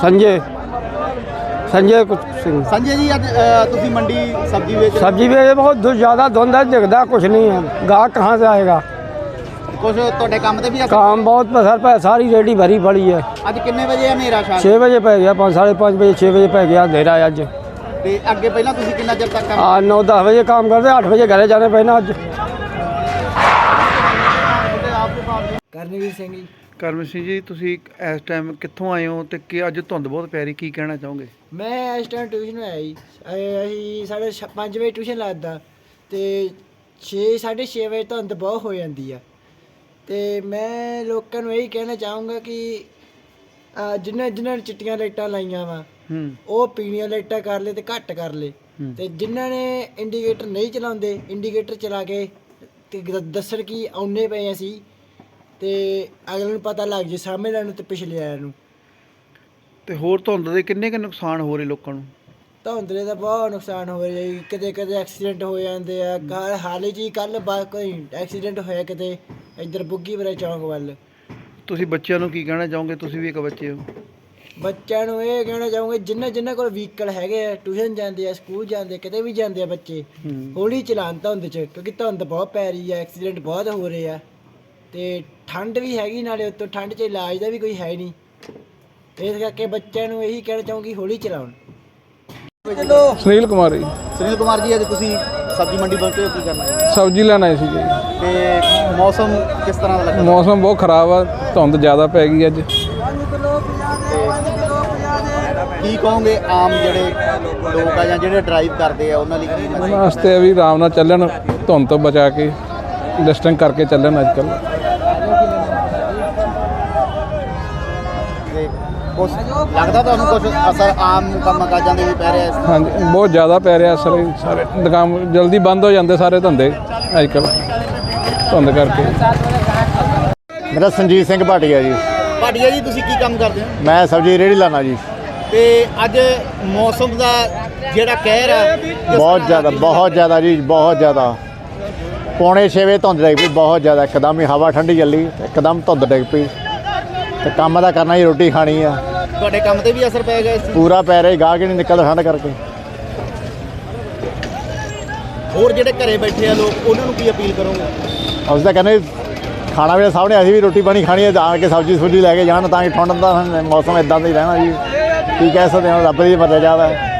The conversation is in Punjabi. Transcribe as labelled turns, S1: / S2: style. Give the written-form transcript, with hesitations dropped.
S1: संजय संजय कुछ सिंह।
S2: संजय जी, अज तुसी मंडी सब्जी बेच
S1: सब्जी में बहुत ज़्यादा धुंध है, दिखता कुछ नहीं है, गाहक कहाँ से आएगा।
S2: कुछ ਤੁਹਾਡੇ ਕੰਮ ਤੇ ਵੀ असर
S1: काम बहुत असर पे, सारी रेडी भरी पड़ी है।
S2: ਅੱਜ ਕਿੰਨੇ ਵਜੇ ਹਨੇਰਾ ਸ਼ਾਮ
S1: 6 बजे पै गया, 5:30 बजे 6 बजे पै गया अंधेरा अज।
S2: ਤੇ ਅੱਗੇ ਪਹਿਲਾਂ ਤੁਸੀਂ ਕਿੰਨਾ ਚਿਰ ਤੱਕ ਕੰਮ
S1: 9-10 बजे काम करते, 8 बजे घरे जाने पैना अज।
S3: ਕਰਨਵੀਰ ਸਿੰਘ ਜੀ।
S4: ਕਰਮ ਸਿੰਘ ਜੀ, ਤੁਸੀਂ ਇਸ ਟਾਈਮ ਕਿੱਥੋਂ ਆਏ ਹੋ ਤੇ ਕਿ ਅੱਜ ਧੁੰਦ ਬਹੁਤ ਪੈ ਰਹੀ, ਕੀ ਕਹਿਣਾ ਚਾਹੋਗੇ?
S3: ਮੈਂ ਇਸ ਟਾਈਮ ਟਿਊਸ਼ਨ ਆਇਆ ਜੀ। ਅਸੀਂ 5:30 ਵਜੇ ਟਿਊਸ਼ਨ ਲੱਗਦਾ ਤੇ 6-6:30 ਵਜੇ ਧੁੰਦ ਬਹੁਤ ਹੋ ਜਾਂਦੀ ਆ। ਤੇ ਮੈਂ ਲੋਕਾਂ ਨੂੰ ਇਹੀ ਕਹਿਣਾ ਚਾਹੂੰਗਾ ਕਿ ਜਿਨ੍ਹਾਂ ਨੇ ਚਿੱਟੀਆਂ ਲਾਈਟਾਂ ਲਾਈਆਂ ਵਾ ਉਹ ਪੀਣੀਆਂ ਲਾਈਟਾਂ ਕਰ ਲੇ ਤੇ ਘੱਟ ਕਰ ਲੇ, ਤੇ ਜਿਨ੍ਹਾਂ ਨੇ ਇੰਡੀਕੇਟਰ ਨਹੀਂ ਚਲਾਉਂਦੇ ਇੰਡੀਕੇਟਰ ਚਲਾ ਕੇ ਤੇ ਦੱਸਣ ਕਿ ਆਉਨੇ ਪਏ ਅਸੀਂ, ਤੇ ਅਗਲੇ ਨੂੰ ਪਤਾ ਲੱਗ ਜੇ ਸਾਹਮਣੇ ਵਾਲੇ ਨੂੰ ਤੇ ਪਿਛਲੇ ਵਾਲਿਆਂ ਨੂੰ।
S4: ਤੇ ਹੋਰ ਧੁੰਦ ਦੇ ਕਿੰਨੇ ਕੁ ਨੁਕਸਾਨ ਹੋ ਰਹੇ ਲੋਕਾਂ ਨੂੰ?
S3: ਧੁੰਦਲੇ ਦਾ ਬਹੁਤ ਨੁਕਸਾਨ ਹੋ ਰਿਹਾ ਜੀ। ਕਦੇ ਐਕਸੀਡੈਂਟ ਹੋ ਜਾਂਦੇ ਆ। ਹਾਲੇ ਜੀ ਕੱਲ ਕੋਈ ਐਕਸੀਡੈਂਟ ਹੋਇਆ ਕਿਤੇ ਇੱਧਰ ਬੁੱਗੀਪੁਰਾ ਚੌਂਕ ਵੱਲ।
S4: ਤੁਸੀਂ ਬੱਚਿਆਂ ਨੂੰ ਕੀ ਕਹਿਣਾ ਚਾਹੋਗੇ? ਤੁਸੀਂ ਵੀ ਇੱਕ ਬੱਚੇ ਹੋ।
S3: ਬੱਚਿਆਂ ਨੂੰ ਇਹ ਕਹਿਣਾ ਚਾਹੂੰਗੇ ਜਿਨ੍ਹਾਂ ਕੋਲ ਵਹੀਕਲ ਹੈਗੇ ਆ, ਟਿਊਸ਼ਨ ਜਾਂਦੇ ਆ, ਸਕੂਲ ਜਾਂਦੇ, ਕਿਤੇ ਵੀ ਜਾਂਦੇ ਆ ਬੱਚੇ, ਹੌਲੀ ਚਲਾਉਣ ਧੁੰਦ 'ਚ, ਕਿਉਂਕਿ ਧੁੰਦ ਬਹੁਤ ਪੈ ਰਹੀ ਆ, ਐਕਸੀਡੈਂਟ ਬਹੁਤ ਹੋ ਰਹੇ ਆ ਤੇ ਠੰਡ ਵੀ ਹੈਗੀ, ਨਾਲੇ ਉੱਤੋਂ ਠੰਡ 'ਚ ਇਲਾਜ ਦਾ ਵੀ ਕੋਈ ਹੈ ਨਹੀਂ। ਇਸ ਕਰਕੇ ਬੱਚਿਆਂ ਨੂੰ ਇਹੀ ਕਹਿਣਾ ਚਾਹੂੰਗੀ ਹੌਲੀ ਚਲਾਉਣ।
S5: ਸੁਨੀਲ ਕੁਮਾਰ ਜੀ।
S2: ਸੁਨੀਲ ਕੁਮਾਰ ਜੀ, ਅੱਜ ਤੁਸੀਂ ਸਬਜ਼ੀ ਮੰਡੀ ਪਹੁੰਚੇ ਹੋ, ਕੀ ਕਰਨਾ ਹੈ?
S5: ਸਬਜ਼ੀ ਲੈਣ ਆਏ ਸੀ ਜੀ।
S2: ਤੇ ਮੌਸਮ ਕਿਸ ਤਰ੍ਹਾਂ ਦਾ ਲੱਗਾ?
S5: ਮੌਸਮ ਬਹੁਤ ਖਰਾਬ ਆ, ਧੁੰਦ ਜ਼ਿਆਦਾ ਪੈ ਗਈ ਅੱਜ।
S2: ਕੀ ਕਹੋਗੇ ਆਮ ਜਿਹੜੇ ਲੋਕ ਆ ਜਾਂ ਜਿਹੜੇ ਡਰਾਈਵ ਕਰਦੇ ਆ ਉਹਨਾਂ ਲਈ ਕੀ
S5: ਉਹਨਾਂ ਵਾਸਤੇ ਵੀ ਆਰਾਮ ਨਾਲ ਚੱਲਣ, ਧੁੰਦ ਤੋਂ ਬਚਾ ਕੇ ਡਿਸਟੈਂਸ ਕਰਕੇ ਚੱਲਣ ਅੱਜ ਕੱਲ੍ਹ।
S2: ਕੁਛ ਲੱਗਦਾ ਤੁਹਾਨੂੰ ਕੁਛ ਅਸਰ ਆਮ ਕੰਮ ਕਾਜਾਂ ਦੇ ਵੀ ਪੈ ਰਿਹਾ ਇਸ?
S5: ਹਾਂਜੀ, ਬਹੁਤ ਜ਼ਿਆਦਾ ਪੈ ਰਿਹਾ ਅਸਰ। ਸਾਰੇ ਦੁਕਾਨ ਜਲਦੀ ਬੰਦ ਹੋ ਜਾਂਦੇ, ਸਾਰੇ ਧੰਦੇ ਅੱਜ ਕੱਲ੍ਹ ਧੁੰਦ ਕਰਕੇ।
S6: ਮੇਰਾ ਸੰਜੀਤ ਸਿੰਘ ਭਾਟੀਆ ਜੀ।
S2: ਭਾਟੀਆ ਜੀ, ਤੁਸੀਂ ਕੀ ਕੰਮ ਕਰਦੇ ਹੋ?
S6: ਮੈਂ ਸਬਜ਼ੀ ਰੇਹੜੀ ਲਾਣਾ ਜੀ।
S2: ਤੇ ਅੱਜ ਮੌਸਮ ਦਾ ਜਿਹੜਾ ਕਹਿਰ ਆ
S6: ਬਹੁਤ ਜ਼ਿਆਦਾ ਜੀ, ਬਹੁਤ ਜ਼ਿਆਦਾ। 5:45 ਵਜੇ ਧੁੰਦ ਡਿੱਗ ਪਈ, ਬਹੁਤ ਜ਼ਿਆਦਾ। ਇੱਕਦਮ ਹੀ ਹਵਾ ਠੰਡੀ ਚੱਲੀ, ਇੱਕਦਮ ਧੁੰਦ ਡਿੱਗ ਪਈ। ਤੇ ਕੰਮ ਦਾ ਕਰਨਾ ਜੀ, ਰੋਟੀ ਖਾਣੀ ਆ।
S2: ਤੁਹਾਡੇ ਕੰਮ ਤੇ ਵੀ ਅਸਰ ਪੈ ਗਿਆ ਇਸ?
S6: ਪੂਰਾ ਪੈ ਰਿਹਾ, ਗਾਹਕ ਨਹੀਂ ਨਿਕਲਦਾ ਠੰਡ ਕਰਕੇ।
S2: ਹੋਰ ਜਿਹੜੇ ਘਰੇ ਬੈਠੇ ਆ ਲੋਕ, ਉਹਨਾਂ ਨੂੰ ਕੀ ਅਪੀਲ ਕਰੋਗੇ?
S6: ਅਸੀਂ ਤਾਂ ਕਹਿੰਦੇ ਖਾਣਾ ਵੀ ਸਾਹਮਣੇ, ਅਸੀਂ ਵੀ ਰੋਟੀ ਪਾਣੀ ਖਾਣੀ ਹੈ, ਆ ਕੇ ਸਬਜ਼ੀ ਸੁਬਜ਼ੀ ਲੈ ਕੇ ਜਾਣ, ਤਾਂ ਕਿ ਠੰਡ ਦਾ ਮੌਸਮ ਇੱਦਾਂ ਦਾ ਹੀ ਰਹਿਣਾ ਜੀ। ਕੀ ਕਹਿ ਸਕਦੇ ਹਾਂ, ਰੱਬ ਦੀ ਮਰਜ਼ੀ ਹੈ।